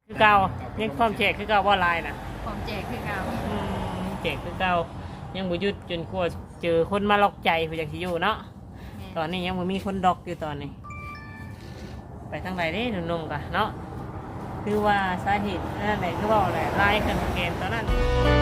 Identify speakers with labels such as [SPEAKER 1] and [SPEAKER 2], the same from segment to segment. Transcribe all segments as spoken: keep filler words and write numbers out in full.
[SPEAKER 1] คือเก่ายังความแจกคือเก่าว่าลายน่ะ
[SPEAKER 2] ความแจกคือเก่า
[SPEAKER 1] อืมแจกคือเก่ายังบ่หยุดจนกลัวเจอคนมาล็อกใจเพื่อจังสิอยู่เนาะตอนนี้ยังบ่มีคนดอกอยู่ตอนนี้ไปทางไหนเด้หนุ่มๆกะเนาะคือว่าสาเหตุนั่นแหละคือว่าอะไรลายกันเกณฑ์ตอนนั้น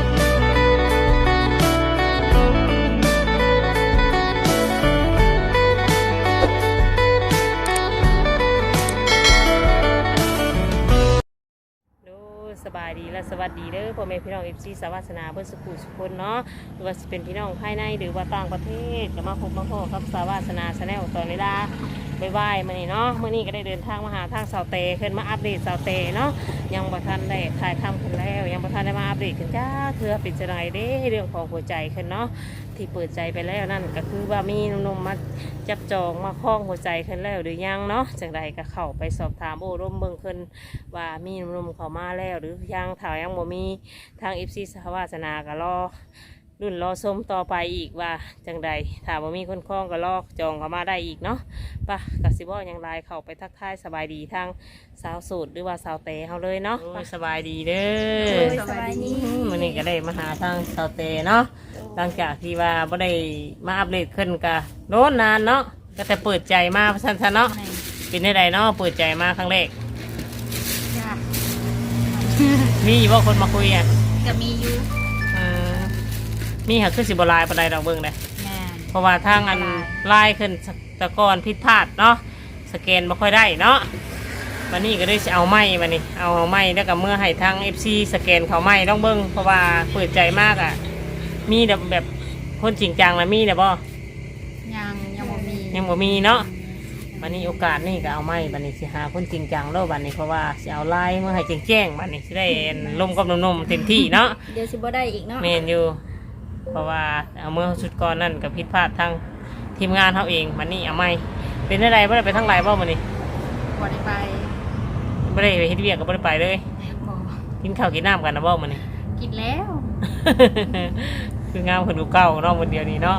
[SPEAKER 1] สบายดีและสวัสดีเด้อพ่อแม่พี่น้องเอฟซีสวัสนาเพื่อสุขุสุคนเนาะหรือว่าเป็นพี่น้องภายในหรือว่าต่างประเทศจะมาพบมาพบครับสวัสนาชาแนลตอนเวลาบ่ายๆมานี่เนาะเมื่อนี้ก็ได้เดินทางมาหาทางสาวเตขึ้นมาอัปเดตสาวเตเนาะยังประทันได้ถ่ายทำขึ้นแล้วยังประทันได้มาอัปเดตขึ้นจ้าเธอเป็นจะไรเด้เรื่องของหัวใจขึ้นเนาะที่เปิดใจไปแล้วนั่นก็คือว่ามีหนุ่มๆมาจับจองมาคล้องหัวใจขึ้นแล้วหรือยังเนาะจังใดก็เข้าไปสอบถามโอ้ร่มเบิ่งขึ้นว่ามีหนุ่มๆเข้ามาแล้วหรือยังถ่ายยังบ่มีทางเอฟซีสวัสนาก็รอรุ่นรอชมต่อไปอีกว่าจังใดถามว่ามีคนคล้องก็รอจองเข้ามาได้อีกเนาะปะกสิบว่ายังไลน์เข้าไปทักทายสบายดีทางสาวสูตรหรือว่าสาวเตะเขาเลยเนาะสบายดีเด้อ
[SPEAKER 2] สบายดี
[SPEAKER 1] วันนี้ก็ได้มาหาทางสาวเตะเนาะหลังจากที่ว่าไม่ได้มาอัปเดตขึ้นกะโน้นนานเนาะก็แต่เปิดใจมาสั้นๆเนาะเป็นได้ใดเนาะเปิดใจมาครั้งแรกมีว่าคนมาคุยอ่ะ
[SPEAKER 2] ก็มีอยู่
[SPEAKER 1] มีหักขึ้นสิบลายปานใดดอกเบิ้งเลยเพราะว่าทางอันไล่ขึ้นตะกอนผิดพลาดเนาะสแกนไม่ค่อยได้เนาะวันนี้ก็ได้จะเอาไม้มานี่เอาไม้แล้วก็เมื่อให้ทางเอฟซีสแกนเขาไม้ต้องเบิ้งเพราะว่าเปิดใจมากอ่ะมีแบบแบบคนจริงจังนะมีแต่บ่
[SPEAKER 2] ยังยังบ่มี
[SPEAKER 1] ยังบ่มีเนาะวันนี้โอกาสนี่ก็เอาไม้วันนี้สิหาคนจริงจังแล้ววันนี้เพราะว่าจะเอาไล่เมื่อให้แจ้งๆวันนี้จะได้ลมกับนมๆเต็มที่เนาะ
[SPEAKER 2] เดี๋ยวสิบ่ได้อีกเนาะ
[SPEAKER 1] เมนอยู่เพราะว่าเอาเมื่อชุดก่อนนั่นกับผิดพลาดทางทีมงานเขาเองมันนี่เอาไม่เป็นอะไรไม่ได้ไปทั้งหลายบ่มันนี่
[SPEAKER 2] บ่ได้ไป
[SPEAKER 1] ไม่ได้ไปเฮ็ดเวียกก็ไม่ได้ไปเลยกินข้าวกินน้ำกันนะบ่มันนี่
[SPEAKER 2] กินแล้ว
[SPEAKER 1] คืองามคนดูเก่าเนาะวันเดียวนี้เนาะ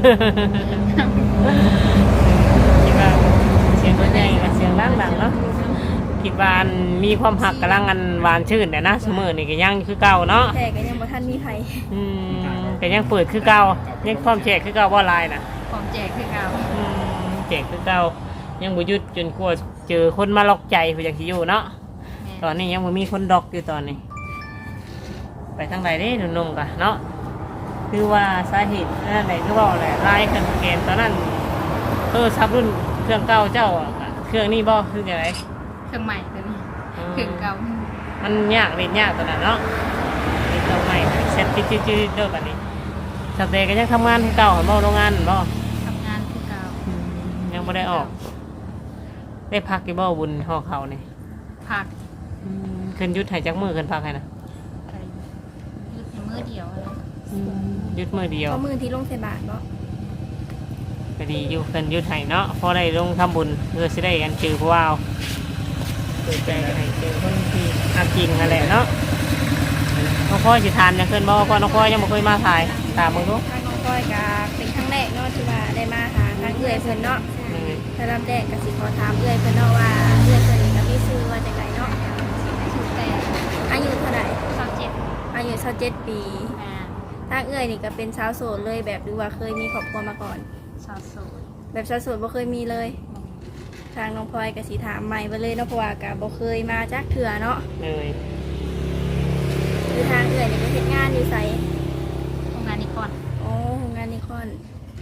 [SPEAKER 1] คิดว่าเสียงตัวใหญ่เสียงดังๆเนาะคิดว่ามีความหักกำลังอันหวานชื่นแต่นะเสมอนี่ก็ยังคือเก่าเนาะ
[SPEAKER 2] แต่ก็ยังบ่ทันมีไผ
[SPEAKER 1] อืมแต่ยังเปิดคือเก่ายังความแจกคือเก่าว่าลายน่ะ
[SPEAKER 2] ความแจกคือเก่า
[SPEAKER 1] อืมแจกคือเก่ายังบ่หยุดจนกลัวเจอคนมาล็อกใจเพื่อจังสิอยู่เนาะตอนนี้ยังบ่มีคนดอกอยู่ตอนนี้ไปทางไหนเด้หนุ่มๆกะเนาะคือว่าสาเหตุนั่นแหละคือว่าอะไรลายกันเกณฑ์ตอนนั้นเออซับรุ่นเครื่องเก่าเจ้าเครื่องนี้บ่คือจังได๋
[SPEAKER 2] เครื่องใหม่ตัวนี้เครื่องเก่า
[SPEAKER 1] มันยากเล่นยากตอนนั้นเนาะเล่นตัวใหม่เซ็ตจืดๆเด้อบัดนี้สเตย์ก็ยังทำงานที่เก่าบ่โรงงานบ่
[SPEAKER 2] ทำงานที่เก่า
[SPEAKER 1] ยังบ่ได้ออกได้พักกี่บ่บุญห่อเขานี่
[SPEAKER 2] พัก
[SPEAKER 1] ขึ้นยุดให้จักมือขึ้นพักให้นะ
[SPEAKER 2] ยุดมื้อเดียวอะไร
[SPEAKER 1] ยุดมือเดียว
[SPEAKER 2] ก็มือที่ลงใส่บาตรบ่
[SPEAKER 1] ก็ดีอยู่ขึ้นยุดให้เนาะพอได้ลงทำบุญเพื่อสิได้กันจือผู้ว่าวเปิดใจให้เจอคนที่อาจริงนั่นแหละเนาะน้องพ่อสิทานยังขึ้นบ่พ่อน้องพ่อยังบ่เคยมาถ่ายตามมึงดู
[SPEAKER 2] ทางน้องพ่อยก็เป็นครั้งแรกเนาะที่ว่าได้มาหาทางเอื้อยเพิ่นเนาะแต่ลำแรกก็สิขอถามเอื้อยเพิ่นเนาะว่าเอื้อยเพิ่นก็มีชื่อว่าจังไดเนาะชื่อแต่อายุเท่าไหร่ยี่สิบเจ็ดอายุยี่สิบเจ็ดปีทางเอื้อยนี่ก็เป็นชาวโสดเลยแบบดูว่าเคยมีครอบครัวมาก่อน
[SPEAKER 3] ชาวโสด
[SPEAKER 2] แบบชาวโสดบ่เคยมีเลยทางน้องพลอยก็สิถามใหม่ไปเลยเนาะเพราะว่าก็บ่เคยมาจักเทื่อเนาะ
[SPEAKER 1] เลย
[SPEAKER 2] คือทางเอื้อยนี่ก็เฮ็ดงานอยู่ไส
[SPEAKER 3] โรงงานนิคอน
[SPEAKER 2] โอ้โรงงานนิคอน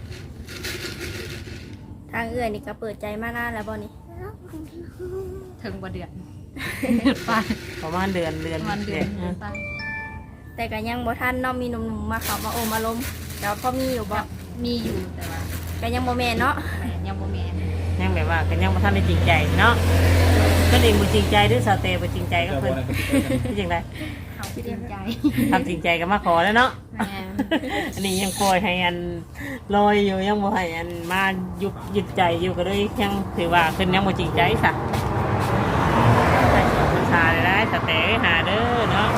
[SPEAKER 2] ทางเอื้อยนี่ก็เปิดใจมานานแล้วบ่นี่
[SPEAKER 3] ถึงบ่เดือน
[SPEAKER 1] ประมาณเดือนเดือน
[SPEAKER 3] ประมาณเดือนไป
[SPEAKER 2] แต่ก็ยังบ่ทันเนาะมีหนุ่มๆมาเข้ามาโอมาลมแต่พอมีอยู่บ่
[SPEAKER 3] มีอยู่แต่ว่า
[SPEAKER 2] ก็ยังบ่แม่นเนาะ
[SPEAKER 3] ยังบ่แม่น
[SPEAKER 1] ยังแบบว่าก็ยังบ่ทันได้จริงใจเนาะก็เองบ่จริงใจหรือสเตย์บ่จริงใจก็เพิ่นที่จังได๋
[SPEAKER 3] เขาจริงใจ
[SPEAKER 1] ทำจริงใจก็มาขอแล้วเนาะอันนี้ยังปล่อยให้อันลอยอยู่ยังบ่ให้อันมายุบยึดใจอยู่ก็เลยยังถือว่าเพิ่นยังบ่จริงใจซะใส่เสื้อผ้าได้สเตย์หาเด้อเนาะ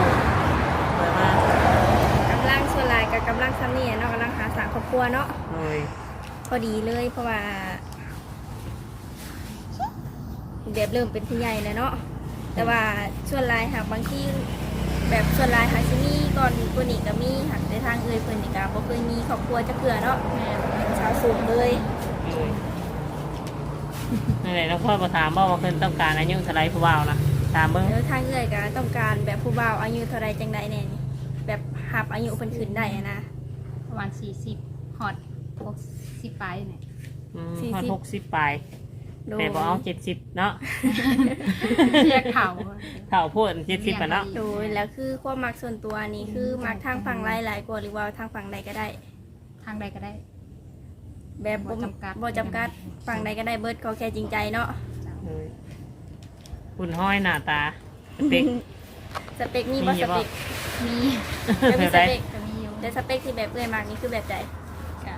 [SPEAKER 2] กำลังส่วนหลายกับกำลังซ้ำนี่เนาะกำลังหาสร้างครอบครัวเนาะพอดีเลยเพราะว่าเดี๋ยวเริ่มเป็นผู้ใหญ่แล้วเนาะแต่ว่าส่วนหลายหากบางที่แบบส่วนหลายหากสิมีก่อนตัวนี้ก็มีหากในทางเอ่ยเพิ่นนี่ก็บ่เคยมีครอบครัวจักเทื่อเนาะแม่เป็นชาวสูงเลย
[SPEAKER 1] เลยนั่นแหละแล้วพ่อมาถามว่าว่าเพิ่นต้องการอายุเท่าไรผู้บ่าวนะถามเบิ่ง
[SPEAKER 2] แล้วทางเอ่ยก็ต้องการแบบผู้บ่าวอายุเท่าไรจังไดแน่นี่แบบหับอายุเพิ่นขึ้นได้อะนะ
[SPEAKER 3] ประมาณสี่สิบฮอตหกสิบปลายเนี่ย
[SPEAKER 1] อืม
[SPEAKER 2] สี่สิบ
[SPEAKER 1] พอหกสิบปลาย
[SPEAKER 2] โดย
[SPEAKER 1] แต่บอกเอาเจ็ดสิบเนาะ
[SPEAKER 3] เรียกเขา
[SPEAKER 1] เท่าพูดเจ็ดสิบอ่ะเนาะ
[SPEAKER 2] โดยแล้วคือความมักส่วนตัวนี่คือมักทางฝั่งหลายๆกว่าหรือว่าทางฝั่งใดก็ได้
[SPEAKER 3] ทางใดก็ได้
[SPEAKER 2] แบบบ่
[SPEAKER 3] บ่จำกัด
[SPEAKER 2] บ่จำกัดฝั่งใดก็ได้เบิดเขาแค่จริงใจเนาะ
[SPEAKER 1] เลยคุณห้อยหน้าตาเด็ก
[SPEAKER 2] สเปคมีบ่
[SPEAKER 1] มี
[SPEAKER 2] ส
[SPEAKER 1] บ่
[SPEAKER 2] เปค
[SPEAKER 3] มี
[SPEAKER 2] จะมี
[SPEAKER 1] แบบ
[SPEAKER 2] ส
[SPEAKER 1] ใด
[SPEAKER 2] เปค
[SPEAKER 3] ก็มีอยู่
[SPEAKER 2] แต่สเปคที่แบบเอ่ยมากนี่คือแบบใด
[SPEAKER 3] ก็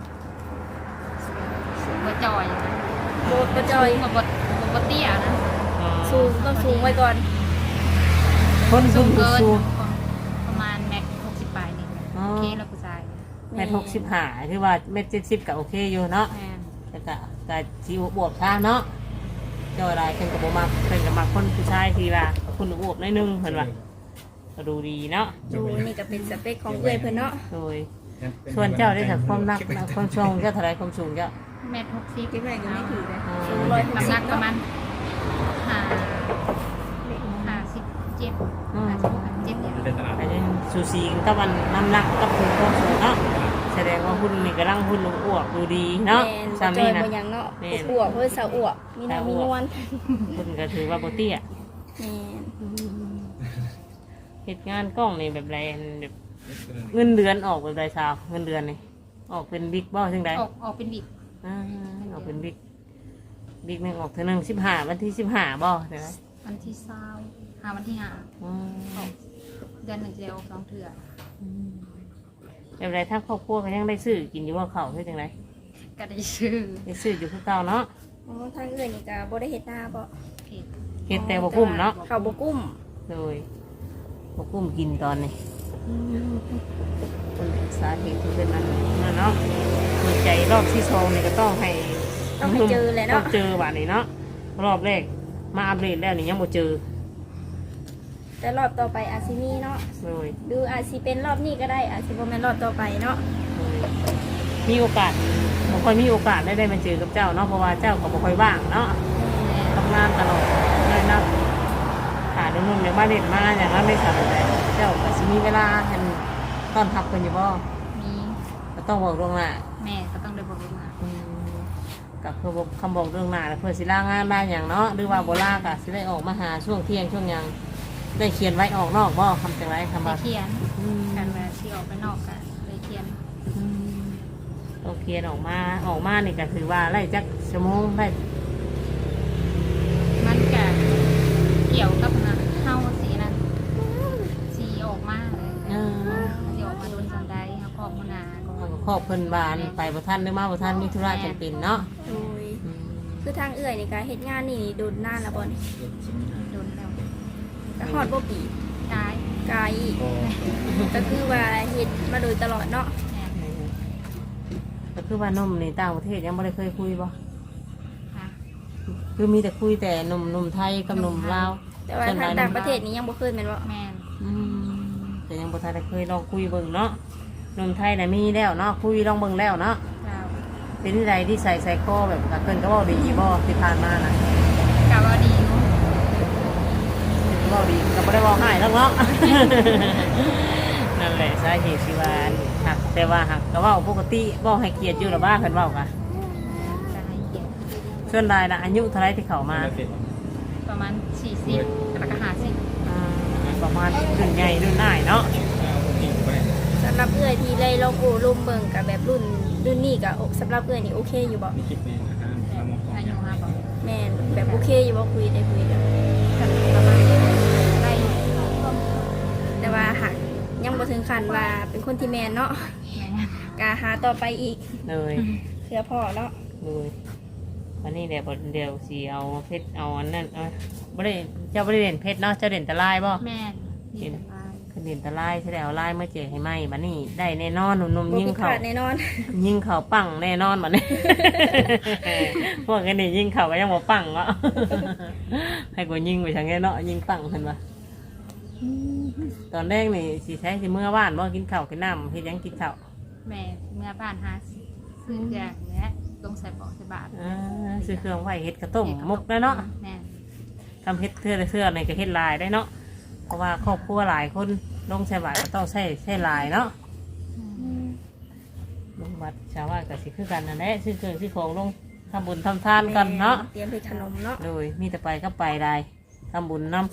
[SPEAKER 3] สูงกว่าจอยนะ
[SPEAKER 2] บ่บ่จอย
[SPEAKER 3] สูงกว่าบดบดเตี้ยนะ
[SPEAKER 2] สูงต้องสูงไว้ก่อน
[SPEAKER 1] คนสูง
[SPEAKER 3] เกิน
[SPEAKER 1] สูง
[SPEAKER 3] ประมาณแม็กหกสิบปลายนี่
[SPEAKER 1] อ๋อ
[SPEAKER 3] โอเคแล้วผู้ชาย
[SPEAKER 1] เมตรหกสิบห้าคือว่าเมตรเจ็ดสิบก็โอเคอยู่เนาะ
[SPEAKER 3] แม่น
[SPEAKER 1] แต่ก็ก็สิบวบช้าเนาะเจ้าอะไรเพิ่นก็บ่มักเพิ่นก็มักคนผู้ชายที่ว่าคุณอวบหนิดนึงเพิ่นว่าก็ดูดีเนาะ
[SPEAKER 2] ดูนี่ก็เป็นสเปคของเอ่ยเพิ่นเนาะ
[SPEAKER 1] โดยส่วนเจ้าได้จากความนักความช่วงเจ้าเท่าไรความสูงเจ้า
[SPEAKER 3] แม็กหกสิบ
[SPEAKER 2] คิดว่าก็ไม่ถือเลย
[SPEAKER 1] อ๋อ
[SPEAKER 2] สูงร้อยหก
[SPEAKER 3] น้ำ
[SPEAKER 2] สิ
[SPEAKER 3] หนั
[SPEAKER 2] บ
[SPEAKER 3] กประมา
[SPEAKER 2] เนาะ
[SPEAKER 3] ณห้าห้าสิบเจ็ดห้าสิบหกเจ็ดเนี่ย
[SPEAKER 1] อันนี้สูสีกันกับมันน้ำหนักกับคุณความสูงเนาะแสดงว่าหุ่นนี่กำลังหุ่นลงอ้วกดูดีเนาะ
[SPEAKER 2] แม่นบ่
[SPEAKER 1] สา
[SPEAKER 2] จ
[SPEAKER 1] มี
[SPEAKER 2] อย
[SPEAKER 1] นะ
[SPEAKER 2] บ่หยังเนาะ
[SPEAKER 1] แม่น
[SPEAKER 2] อวบเพิ่นสาวอวบมีน้ำมีนวล
[SPEAKER 1] หุ่นก็ถือว่าโบเตี้ย
[SPEAKER 2] แม่น
[SPEAKER 1] เหตุงานกล้องนี่แบบไรอันแบบเงินเดือนออกแบบไรสาวเงินเดือนนี่ออกเป็นบิ๊กบ่ซึ่งใด
[SPEAKER 3] ออกออกเป็นบิด
[SPEAKER 1] อ่าออกเป็นบิ๊กบิ๊กหนึ่งออกเท่านึงสิบห้าวันที่สิบห้าบ่ใช่ไหม
[SPEAKER 3] วันที่เศร้าหาวันที่ห้า
[SPEAKER 1] อืม
[SPEAKER 3] ออกเดือนหนึ่งจะได้ออกสองเถื่อ
[SPEAKER 1] แบบไรถ้าครอบครัวก็ยังได้ซื้อกินอยู่ว่าเขาใช่จังไร
[SPEAKER 3] ก็ได้ชื่อ
[SPEAKER 1] ได้ซื้ออยู่คือเก่าเนาะ
[SPEAKER 2] อ๋อทางเอ่ยนี่ก็บ่ได้เฮ็ดนาบ่
[SPEAKER 3] เพจ
[SPEAKER 1] เฮ็ดแต่บ่กุ้มเนาะ
[SPEAKER 2] เขาบ่กุ้ม
[SPEAKER 1] เลยบ่กุ้มกินตอนนี้คนสาเหตุที่เป็นนั้นนั่นเนาะหัวใจรอบที่สองนี่ก็ต้องให้
[SPEAKER 2] ต้องให้เจอแหละ
[SPEAKER 1] ต้อ
[SPEAKER 2] เนาะ
[SPEAKER 1] งเจอบ้านนี้เนาะรอบแรกมาอัปเดตแล้วนี่ยังบ่เจอ
[SPEAKER 2] แต่รอบต่อไปอาจสิมีเนาะ
[SPEAKER 1] เลย
[SPEAKER 2] ดูอาจสิเป็นรอบนี้ก็ได้อาจสิบ่แม่นรอบต่อไปเนาะ
[SPEAKER 1] เลยมีโอกาสบ่ค่อยมีโอกาสได้ได้มาเจอกับเจ้าเนาะเพราะว่าเจ้าก็บ่ค่อยว่างเนาะทำงานตลอดเลยนะหาหนุ่มๆอย่างมาเด็ดมาอย่างนั้นไม่สามารถแต่เจ้าก็สิมีเวลาให้ต้อนรับเพิ่นอยู่บ่
[SPEAKER 3] มี
[SPEAKER 1] ก็ต้องบอกล่วงหน้า
[SPEAKER 3] แม่ก็ต้องได้บอกลูกมา
[SPEAKER 1] อืมกับเพื่อบอกคำบอกเรื่องหน้าแล้วเพื่อสิล่างานได้อย่างเนาะหรือว่าโบลากะสิได้ออกมาหาช่วงเที่ยงช่วงหยังได้เขียนไว้ออกนอกบ่คำจังไรคำ
[SPEAKER 3] ได้
[SPEAKER 1] ว่า
[SPEAKER 3] เขียน
[SPEAKER 1] อืม
[SPEAKER 3] กันเวลาที่ออกไปนอกกันเลยเขียน
[SPEAKER 1] อืมต้องเขียนออกมาออกมานี่ก็ถือว่าไล่จักชั่วโมงได้
[SPEAKER 3] มันก็เกี่ยวกับนะเข้าสีนั้นสีออกมาเลย
[SPEAKER 1] เออ
[SPEAKER 3] สีออกมาโดนจันไดเขาขอบมนาก็
[SPEAKER 1] เขาก็ครอบเพิ่นบานไปบ่ทันหรือมาบ่ทันมีธุระจำเป็นเนาะ
[SPEAKER 2] โดย
[SPEAKER 1] อืม
[SPEAKER 2] คือทางเอ่ยนี่ก็เฮ็ดงานนี่โดนนานแล้วบ่นี่
[SPEAKER 3] โดนแล้ว
[SPEAKER 2] ก็ฮอดบ่ปี
[SPEAKER 3] ตาย
[SPEAKER 2] ไกลก็คือว่าเฮ็ดมาโดยตลอดเนาะ
[SPEAKER 3] แม่
[SPEAKER 1] เออก็คือว่านมในต่างประเทศยังไม่ได้เคยคุยบ่
[SPEAKER 3] ค่ะ
[SPEAKER 1] คือมีแต่คุยแต่นมนมไทยกับนมลาว
[SPEAKER 2] แต่ว่าทางต่างประเทศนี้ยังบ่เคยแม่นบ่
[SPEAKER 3] แม่น
[SPEAKER 1] อืมแต่ยังบ่ทันได้เคยลองคุยเบิ่งเนาะนมไทยน่ะมีแล้วเนาะคุยลองเบิ่งแล้วเนาะ
[SPEAKER 3] เรา
[SPEAKER 1] เป็นที่ใดที่ใส่ใส่คอแบบกับเพิ่นก็เว้าดีบ่ที่ผ่านมาน่ะ
[SPEAKER 3] กะว่าดีอยู่
[SPEAKER 1] เว้าดีก็บ่ได้เว้าให้แล้วเนาะ นั่นแหละสาเหตุที่ว่าหักแต่ว่าหักก็เว้าปกติเว้าให้เกียรติอยู่ล่ะบ้าเพิ่นเว้ากะ
[SPEAKER 3] จะให้เกียรติ
[SPEAKER 1] ส่วนรายน่ะอายุเท่าไหร่ที่เข้ามา
[SPEAKER 3] ประมาณสี่สิบแล้วก็ห้าสิบ
[SPEAKER 1] อ่าประมาณรุ่นใหญ่รุ่นน้อยเนาะ
[SPEAKER 2] สำหรับเอ่ยที่ได้ลองโอ้ลมเบิ่งกับแบบรุ่นรุ่นนี้ก็สำหรับเอ่ยนี่โอเคอยู่บ่
[SPEAKER 3] อายุห้าบอก
[SPEAKER 2] แม่นแบบโอเคอยู่บ่คุยได้คุยกัน
[SPEAKER 3] กันประมาณนี้ได้
[SPEAKER 2] แต่ว่าหักยังบ่ถึงขั้นว่าเป็นคนที่แม่นเนาะ
[SPEAKER 3] แม่
[SPEAKER 2] กาหาต่อไปอีก
[SPEAKER 1] เลย
[SPEAKER 2] เพื่อพ่อเนาะ
[SPEAKER 1] เลยวันนี้เดี๋ยวเดี๋ยวสิเอาเพชรเอาอันนั้นเอาบ่ได้เจ้าบ่ได้เล่นเพชรเนาะเจ้าเล่นแตะลายบ่
[SPEAKER 3] แม่ดีสบาย
[SPEAKER 1] คขึ้นดินตะไลใช่แล้วไล่เมื่อเจอให้ไหมบัดนี้ได้แน่นอนหนุ่ม
[SPEAKER 2] บ่
[SPEAKER 1] ๆยิ่ง
[SPEAKER 2] ผิดพ
[SPEAKER 1] เขา
[SPEAKER 2] ลาดแน่นอน
[SPEAKER 1] ยิ่งเขาปังแน่นอนบัดนี้ พวกกันนี่ยิ่งเขาก็ยังบ่ปังเนาะ ให้กูยิ่งไปทางแน่เนาะยิ่งปังเห็นปะตอนแรกนี่สิใช้สิเมื่อว่านบ่กินข้าวกินน้ำเฮ็ดหยังกินข้าว
[SPEAKER 3] แม่เมื่อบ้านหาซื้อจากเนี้ยลงใส่เบาะใส่บาท
[SPEAKER 1] อ่าซื้อเครื่องไว้เฮ็ดกระต้มมุกได้เนาะ
[SPEAKER 3] แม่
[SPEAKER 1] ทำเฮ็ดเทื่อละเทื่อในก็เฮ็ดลายได้เนาะเพราะว่าครอบครัวหลายคนลงใช้บาทก็ต้องใช้ใช้ลายเนาะลงบัตรชาวบ้านก็สิคือกันนั่นแหละซื้อเครื่องซื้อของลงทำบุญทำทานกันเนาะ
[SPEAKER 2] เตรียมเฮ็ดขนมเนาะ
[SPEAKER 1] โดยมีแต่ไปก็ไปได้ทำบุญน้ำ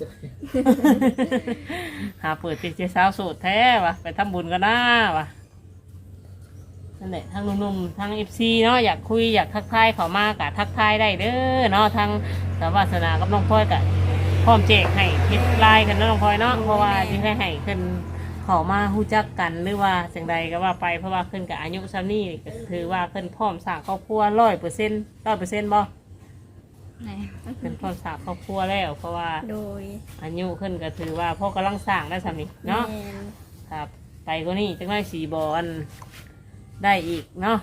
[SPEAKER 1] หาเปิดเป็นเจ้าสาวโสดแท้วะไปทำบุญกันนะวะนั่นแหละทางหนุ่มๆทางเอฟซีเนาะอยากคุยอยากทักทายเขามากะทักทายได้เด้อเนาะทางสาวาสนากับน้องพลอยกะพร้อมแจกให้คิดลายกันเนาะน้องพลอยเนาะเพราะว่าที่ให้ให้ขึ้นเขามาฮู้จักกันหรือว่าสิ่งใดก็ว่าไปเพราะว่าขึ้นกับอายุซ้ำนี่ก็ถือว่าขึ้นพร้อมสร้างครอบครัวร้อยเปอร์เซ็นต์ร้อยเปอร์เซ็นต์บ่
[SPEAKER 3] แม่
[SPEAKER 1] เป็นพร้อมสร้างครอบครัวแล้วเพราะว่า
[SPEAKER 2] โดย
[SPEAKER 1] อายุขึ้นก็ถือว่าพ่อกำลังสร้างได้สำนี้เนาะ
[SPEAKER 2] แม่น
[SPEAKER 1] ครับไปก็นี่จังได้สีบอลได้อีกเนาะ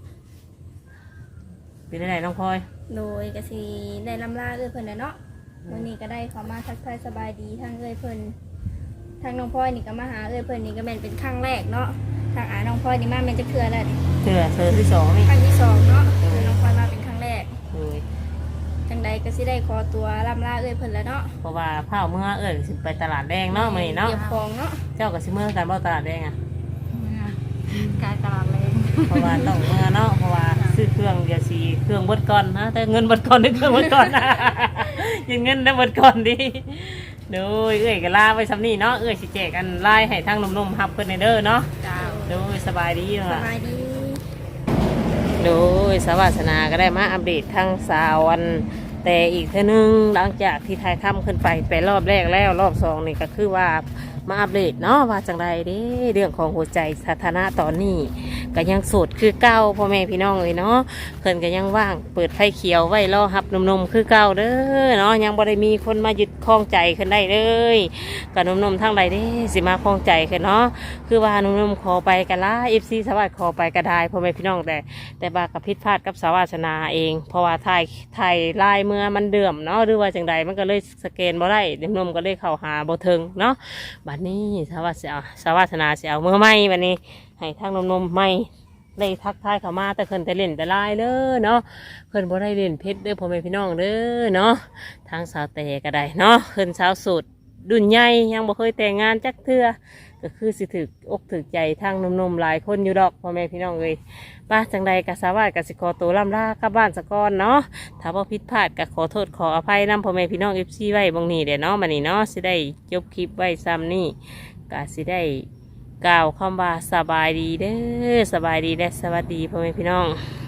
[SPEAKER 1] เป็นอะไรน้องพลอย
[SPEAKER 2] โดยก็สิได้ลำลาเอ้ยเพิ่นน่ะเนาะวันนี้ก็ได้เข้ามาทักทายสบายดีทางเอ้ยเพิ่นทางน้องพลอยนี่ก็มาหาเอ้ยเพิ่นนี่ก็แม่นเป็นครั้งแรกเนาะทางอาน้องพลอยนี่มาแม่นจะเทื่อแล้วนี่
[SPEAKER 1] เถื่อเธอที่สองนี่
[SPEAKER 2] ครั้งที่สองเนาะคือน้องพลอยมาเป็นครั้งแรก
[SPEAKER 1] เลย
[SPEAKER 2] จังใดก็สิได้ขอตัวลำลาเอ้ยเพิ่นแล้วเนาะ
[SPEAKER 1] เพราะว่าเผาเมื่อเอิญสิไปตลาดแดงเนาะมื้อนี้เนาะ
[SPEAKER 2] เก็บของเนาะ
[SPEAKER 1] เจ้ากับสิเมื่อกันบ่ตลาดแดงอ่ะ
[SPEAKER 3] เมื่อกายตลาดแรง
[SPEAKER 1] เพราะว่าต้องเมื่อเนาะเพราะว่าซื้อเครื่องเดี๋ยวสีเครื่องเบดก่อนนะแต่เงินเบดก่อนหรือเครื่องเบดก่อน นะ ยังเงินได้เบดก่อนดิโดยเอ้ยก็ลาไว้ซ้ำนี่เนาะเอ้ยสิแจกกันไล่ให้ทางหนุ่มๆฮับเพิ่นในเด้อเนาะ
[SPEAKER 3] จ้า
[SPEAKER 1] โดยสบายดี
[SPEAKER 2] ส
[SPEAKER 1] ล่ะ
[SPEAKER 2] บายดี
[SPEAKER 1] โดยสวัสนาก็ได้มาอัปเดตทั้งสาววันแต่อีกเท่านึงหลังจากที่ทายถ้ำขึ้นไปไปรอบแรกแล้วรอบสองนี่ก็คือว่ามาอัปเดตเนาะว่าจังไรเด้เรื่องของหัวใจสถานะตอนนี้ก็ยังโสดคือเก้าพ่อแม่พี่น้องเลยเนาะเพิ่นก็ยังว่างเปิดไฟเขียวไว้รอหับหนุ่มๆคือเก้าเด้อเนาะยังบ่ได้มีคนมายึดครองใจขึ้นได้เลยกับหนุ่มๆทั้งใดเด้สิมาครองใจขึ้นเนาะคือว่าหนุ่มๆขอไปกันละเอฟซีสวัสดิ์ขอไปก็ได้พ่อแม่พี่น้องแต่ แต่บากับพิษพลาดกับสาวาสนาเอง เพราะว่าไทยไทยลายเมื่อมันเดื่อมเนาะหรือว่าจังใดมันก็เลยสแกนบ่ได้เด็กนมก็เลยเข้าหาบ่ถึงเนาะบัดนี้สาวาสนาสาวาสนาเสียเอาเมื่อไม่บัดนี้ให้ทางนมนมไม่เลยทักทายเข้ามาแต่เพิ่นแต่เล่นแต่ลายเด้อเนาะเพิ่นบ่ได้เล่นเพชรเด้อพ่อแม่พี่น้องเด้อเนาะทางสาวแต่ก็ได้เนาะเพิ่นสาวสุดดุนใหญ่ยังบ่เคยแต่งงานจักเทื่อก็คือสิถึกอกถึกใจทางนมๆหลายคนอยู่ดอกพ่อแม่พี่น้องเลยป้าจังใดกะสาวาสกสิขอตัวล่ำลากลับบ้านสะก่อนเนาะถ้าว่าผิดพลาดก็ขอโทษขออภัยนำพ่อแม่พี่น้องเอฟซีไว้บางนี้เดี๋ยวเนาะมานี่เนาะสิได้จบคลิปไว้ซ้ำนี่กะสิได้กล่าวคำว่าสบายดีเด้อสบายดีและสวัสดีพ่อแม่พี่น้อง